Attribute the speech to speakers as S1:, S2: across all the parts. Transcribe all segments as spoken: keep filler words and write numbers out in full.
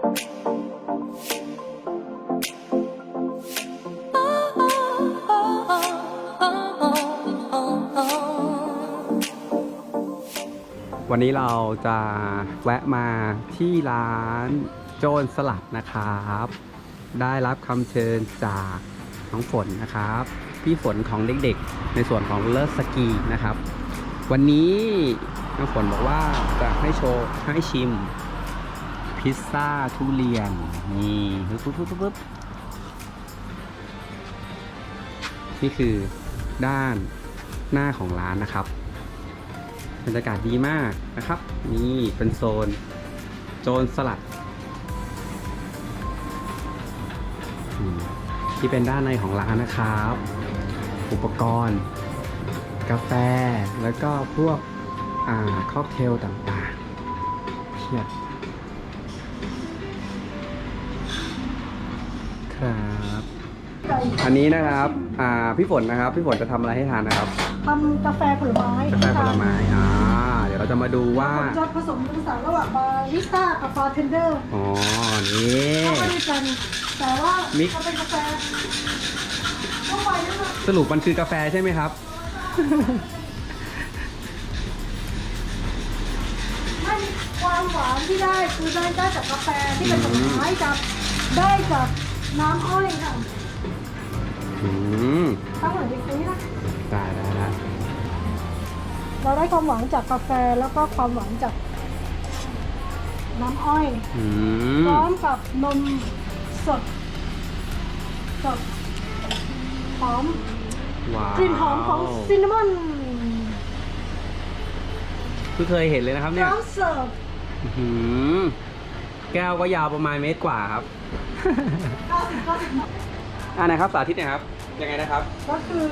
S1: วันนี้เราจะแวะมาที่ร้านโจรสลัดนะครับ ได้รับคำเชิญจากน้องฝนนะครับพี่ฝนของเด็กๆในส่วนของเลิศสกีนะครับวันนี้น้องฝนบอกว่าจะให้โชว์ให้ชิมพิซซ่าทุเรียนนี่ปึ๊บปึ๊บปึ๊บปึ๊บนี่คือด้านหน้าของร้านนะครับบรรยากาศดีมากนะครับนี่เป็นโซนโจรสลัดที่เป็นด้านในของร้านนะครับอุปกรณ์กาแฟแล้วก็พวกอ่าค็อกเทลต่างๆเพียบครับอันนี้นะครับอ่าพี่ฝนนะครับพี่ฝนจะทำอะไรให้ทานนะครับ
S2: ทำกาแฟผลไม้
S1: กาแฟผลไม้อ่าเดี๋ยวเราจะมาดูว่า
S2: จะผสมผสานระหว่างบาริสต้ากับบาร์เทนเดอร์
S1: อ๋อนี่
S2: เข้าด้วยกันแต่ว่าจะเป็นกาแฟทั่วไปนะคะ
S1: สรุปมันคือกาแฟใช่ไหมครับ
S2: ไม่ความหวานที่ได้คือได้ได้จากกาแฟที่เป็นผลไม้กับได้จากน้ำอ้อยค่ะ
S1: อืม
S2: ถ้าเหมือนเด็กนี้นะ
S1: ได้ได้ได้
S2: เราได้ความหวานจากกาแฟแล้วก็ความหวานจากน้ำอ้อยพร้อมกับนมสดสดหอมกลิ่นหอมของซินนามอน
S1: เพิ่งเคยเห็นเลยนะครับเนี่ย
S2: พร้อมเสิร์ฟ
S1: แก้วก็ยาวประมาณเมตรกว่าครับอ่าไหนครับสาธิตนะครับยังไงนะครับ
S2: ก็คือ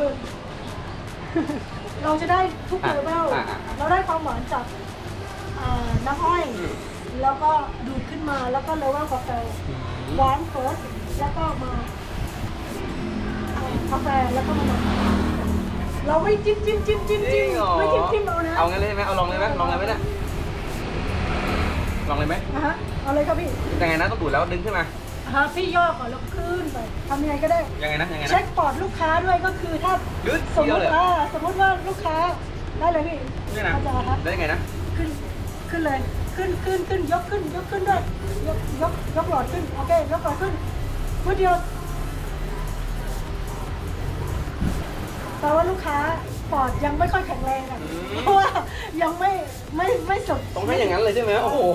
S2: เราจะได้ทุกเลเวลเราได้ความหวานจากน้ำอ้อยแล้วก็ดูดขึ้นมาแล้วก็เลเวลกาแฟหวานเฟิร์สแล้วก็มากาแฟแล้วก็มาเราไม่จิ้มจิ้มจิ้มจิ้มจิ้มไม่จิ้มจิ้มเอานะ
S1: เอางั้นเลยไหมเอาลองเลยไหมลองเลยไหมเนี่ยลองเลยไหม
S2: อ่ะฮะเอาเลยครับพี่
S1: ยังไงนะต้องดูดแล้วดึงขึ้นมา
S2: ฮะพี่ย่อก่อนแล้วขึ้นไปทำยังไงก็ได้
S1: ยังไงนะยังไงนะ
S2: เช็คปอดลูกค้าด้วยก็คือถ้าสมมติว่าสมมติว่าลูกค้าได้เลยพี่
S1: นี่นะได้ยังไงนะ
S2: ขึ้นขึ้นเลยขึ้นขึ้นขึ้นยกขึ้นยกขึ้นด้วยยกยกยกหลอดขึ้นโอเคยกหลอดขึ้นเพื่อเดียวแต่ว่าลูกค้าปอดยังไม่ค่อยแข็งแรงอ่ะเพราะว่ายังไม่ไม่ไม่สด
S1: ต้องให้อย่างนั้นเลยใช่ไหมโอ้โห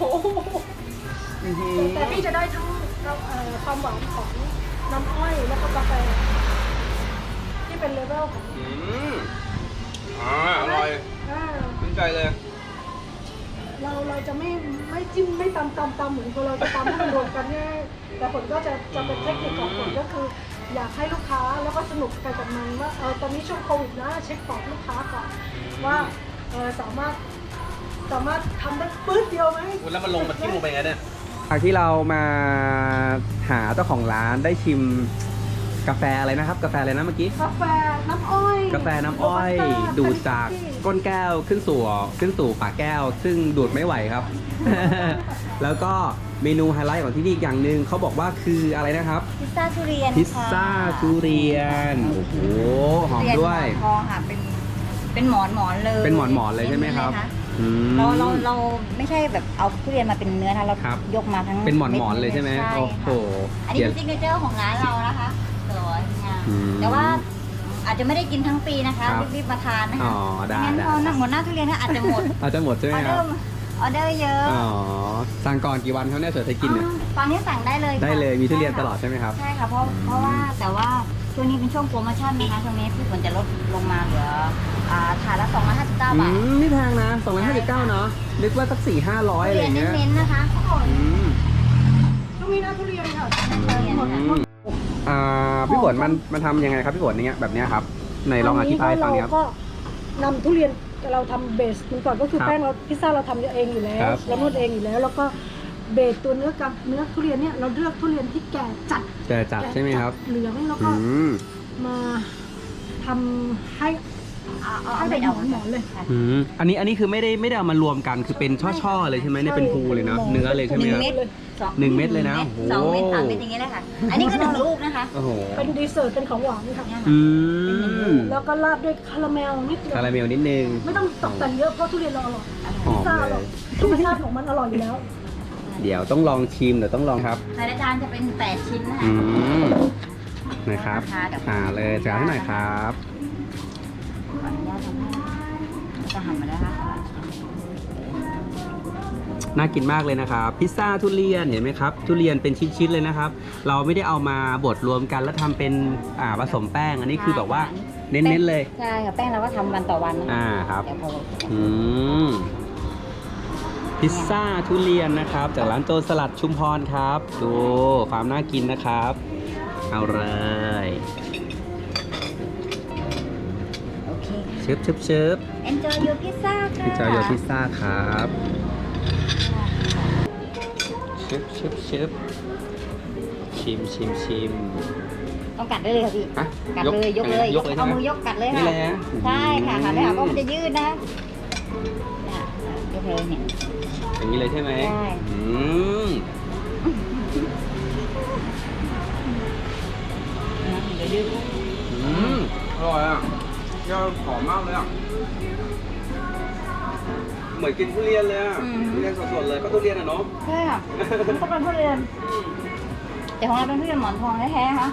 S2: แต่พี่จะได้ทั้งความหวานของน้ำอ้อยแล้วก็กาแฟที่เป็นเลเวลของ
S1: อ่าอร่อยชื่นใจเลย
S2: เราเราจะไม่ไม่จิ้มไม่ตำตำตำเหมือนเราจะตำให้มันรวมกันเนี่ยแต่ผลก็จะจะเป็นเทคนิคของผลก็คืออยากให้ลูกค้าแล้วก็สนุกไปกับมันว่าเออตอนนี้ช่วงโควิดนะเช็คปอดลูกค้าก่อนว่าเออสามารถสามารถทำได้ปื๊ดเดียวไหม
S1: แล้วมันลงมันทิ้งลงไปไงเนี่ยจากที่เรามาหาเจ้าของร้านได้ชิมกาแฟอะไรนะครับกาแฟอะไรนะเมื่อกี้
S2: กาแฟน้ำอ้อย
S1: กาแฟน้ำอ้อยดูดจากก้นแก้วขึ้นสู่ขึ้นสู่ปากแก้วซึ่งดูดไม่ไหวครับ แล้วก็เมนูไฮไลท์ของที่นี่อีกอย่างหนึ่งเขาบอกว่าคืออะไรนะครับ
S3: พิซซ่าทุเรียน
S1: พิซซ่าทุเรียนโอ้โหหอมด้วย
S3: ทองค่ะเป็นเป็นหมอนหมอนเลย
S1: เป็นหมอนหมอนเลยใช่ไหมครับ
S3: เราเราเราไม่ใช่แบบเอาทุเรียนมาเป็นเนื้อนะเรายกมาทั้ง
S1: เป็นหมอนหมอนเลยใช่ไหมโอ้โห
S3: อันนี้เป็นซิกเนเจอร์ของร้านเรานะคะสวยงามแต่ว่าอาจจะไม่ได้กินทั้งปีนะคะรีบๆมาทานนะคะ
S1: อ๋อได้
S3: งั้นพอหมดหน้าทุเรียนอาจจะหมด
S1: อาจจะหมดใช่ไหมครับ
S3: ออเดอร์เยอะ
S1: อ๋อสั่งก่อนกี่วันเขาเนี่ยเสิร์ฟให้กินเนี่ย
S3: ตอนนี้สั่งได้เลย
S1: ได้เลยมีทุเรียนตลอดใช่ไหมครับ
S3: ใช่ค่ะเพราะเพราะว่าแต่ว่าช่วงนี้เป็นช่วงโปรโมชั่นนะคะช่วงนี้พี่ฝนจะลดลงมาเหลือถาดละสองร้อยห้าสิบเก้าบาท
S1: ไม่แพงนะสองร้อยห้าสิบเก้าเนาะนึกว่าสักสี่ห้าร้อยอะไรเงี้ย
S3: เน้นๆนะคะ
S2: ช่วงนี้นะทุเรียนค่ะ
S1: อ่าพี่ฝนมันมันทำยังไงครับพี่ฝนเนี้ยแบบเนี้ยครับในลองอธิบายฟังครับ
S2: ก็นำทุเรียนเราทำเบสมันก่อนก็คือแป้งเราพิซซ่าเราทำเองอยู่แล้วเรานวดเองอยู่แล้วแล้วก็เบสตัวเนื้อกับเนื้อทุเรียนเนี่ยเราเลือกทุเรียนที่แก่จัด
S1: แก่จัดใช่ไหมครับ
S2: เหลืองแล้วก็มาทำให้
S3: เอาเอา
S2: ให้
S3: เอา
S2: เป็
S3: ไม่
S2: น
S3: เอา
S2: หมอนๆเลย
S1: อืมอันนี้อันนี้คือไม่ได้ไม่ได้เอามารวมกันคือเป็นช่อๆเลยใช่ไหมเนี่ยเป็นภูเลยเนาะเนื้อเลยใช่ไหม
S3: หนึ่
S1: ค
S3: ง
S1: รับ
S3: เม็ดสอง
S1: หนึ่งเม็ดเลยนะ
S3: สองเม็ด
S1: โอ้โห
S3: สามเม็ดอย่างเงี้ยเลยค่ะ อันนี้ก็หนึ่งลูกนะคะ
S1: โอ้โห
S2: เป็นดีเซอร์ตเป็นของหวานค่ะ
S3: เนี่ย
S1: อื
S3: ค่ะ
S1: ม
S2: แล้วก็ราดด้วยคาราเมลนิดเดียว
S1: คาราเมลนิดนึง
S2: ไม่ต้องตกแต่งเยอะเพราะทุเรียนเราอร่อย
S1: หอม
S2: ซ่าอ
S1: เล
S2: ร่อย
S1: ย
S2: ธรรมชาติของมันอร่อยอยู่แล้ว
S1: เดี๋ยวต้องลองชิมเดี๋ยวต้องลองครับ
S3: แต่ละจานจะเป็นแปดชิ้นนะคะ
S1: อืมนะครับ
S3: ราคาเดี๋ยว
S1: อ่าเลยจานให้หน่อยครับ
S3: ขออนุญาตทำให้จะหั่นมาแล้วนะคะ
S1: น่ากินมากเลยนะครับพิซซ่าทุเรียนเห็นไหมครับทุเรียนเป็นชิ้นๆเลยนะครับ เราไม่ได้เอามาบดรวมกันแล้วทำเป็นอ่าผสมแป้งอันนี้คือแบบว่าเน้นๆเลย
S3: ใช่ค่ะแป้งเราก็ทำวันต่อวันนะคะ
S1: อ่าครับ
S3: เดี๋ยวพอ
S1: อืมพิซซ่าทุเรียนนะครับ จากร้านโจรสลัดชุมพรครับ ดูความน่ากินนะครับ เอาเลย
S3: โอเค
S1: ชึบชึบชึบ
S3: enjoy your pizza ค่ะ
S1: พิซซ่าโยพิซซ่าครับชึบชึบชึบชิมชิมชิม
S3: ต้องกัดได้เลยค่ะพี่
S1: ฮะ
S3: กัดเลยยกเลย
S1: ยกเลยใช่
S3: เอา
S1: ไหม
S3: มือยกกัดเลย
S1: นี่
S3: ค่ะ
S1: เลยนะ
S3: ใช่ค่ะ
S1: อืม
S3: ค่ะไม่หาว่ามันจะยืดนะเนี่ยยกเลยเนี่ย
S1: อย่างนี้เลยใช่ไหม
S3: ใช่
S1: อืม
S3: นะเดี๋ยวยืด
S1: อืมอร่อยอ่ะยอดหอมมากเลยอ่ะ เหมือนกินทุเรียนเลยอ่ะ ทุเรียนสดๆเลยก็ทุเรียนอ่ะเนาะ
S3: ใช่ค่ะ
S2: มันต้องเป็นทุเรียน
S3: แต่ของเราเป็นทุเรียนหมอนทองแท้ๆค่ะ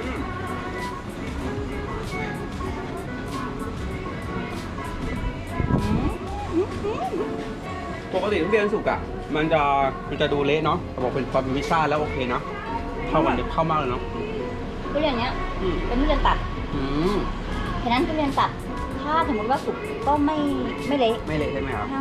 S1: ปกติทุเรียนสุกอ่ะ มันจะมันจะดูเละเนาะแต่บอกเป็นความเป็นพิซซ่าแล้วโอเคนะเข้ากันเข้ามากเลยเนาะ
S3: ทุเรียนเนี้ย
S1: อืม
S3: เป็นทุเรียนตัด
S1: อืม
S3: ฉะนั้นทุเรียนตัด ถ้าสมมติว่าสุกก็ไม่ไม่เละ
S1: ไม่เละใช่ไหมครับ
S3: ค่ะ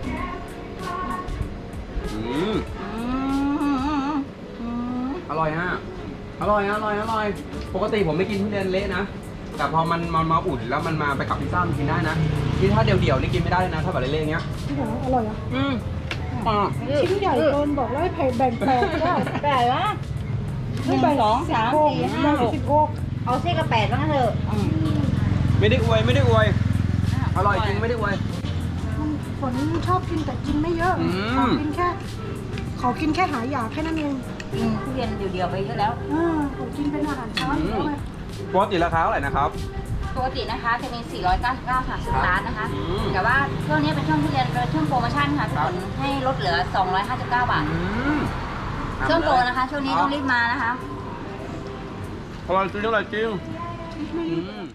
S1: อืม
S3: อืมอืม
S1: อร่อยฮะอร่อยอร่อยอร่อย ปกติผมไม่กินทุเรียนเละนะ แต่พอมันมันมาอุ่นแล้วมันมาไปกับพิซซ่ามันกินได้นะที่ถ้าเดี่ยวๆนี่กินไม่ได้เลยนะถ้าแบบเละๆอย่างเงี้ย
S2: ที่ไหนอร่อยอ่ะ
S1: อืมอ่า
S2: ชิ้นใหญ่เกินบอกแล้วให้แบ่งแปดได้
S3: แปดวะหนึ่งสองสามสี่ห้าหก
S2: สิบหก
S3: เอาเส้นละแปดว่างั้นเถอะอืม
S1: ไม่ได้อวยไม่ได้อวย อร่อยจริงไม่ได้อวย
S2: ฝนชอบกินแต่กินไม่เยอะ
S1: อืม
S2: ขอกินแค่ ขอกินแค่หาอยากแค่นั้นเอง
S3: กินทุเรียนเดียวๆไปเยอะแล้ว
S2: อ่าขอกินเป็นอาหารเช้าอยู่แล้วไง
S1: ปกติราคาเท่าไหร่นะครับ
S3: ปกตินะคะจะมี สี่ร้อยเก้าสิบเก้า ค่ะสตาร์ทนะคะ
S1: อืม
S3: แต่ว่าช่วงนี้เป็นช่วงทุเรียนเป็นช่วงโปรโมชั่นค่ะทุกคนให้ลดเหลือ สองร้อยห้าสิบเก้า บาท
S1: อืม
S3: ช่วงโปรนะคะ ช่วงนี้ต้องรีบมานะคะ
S1: อร่อยจริงอร่อยจริงอืม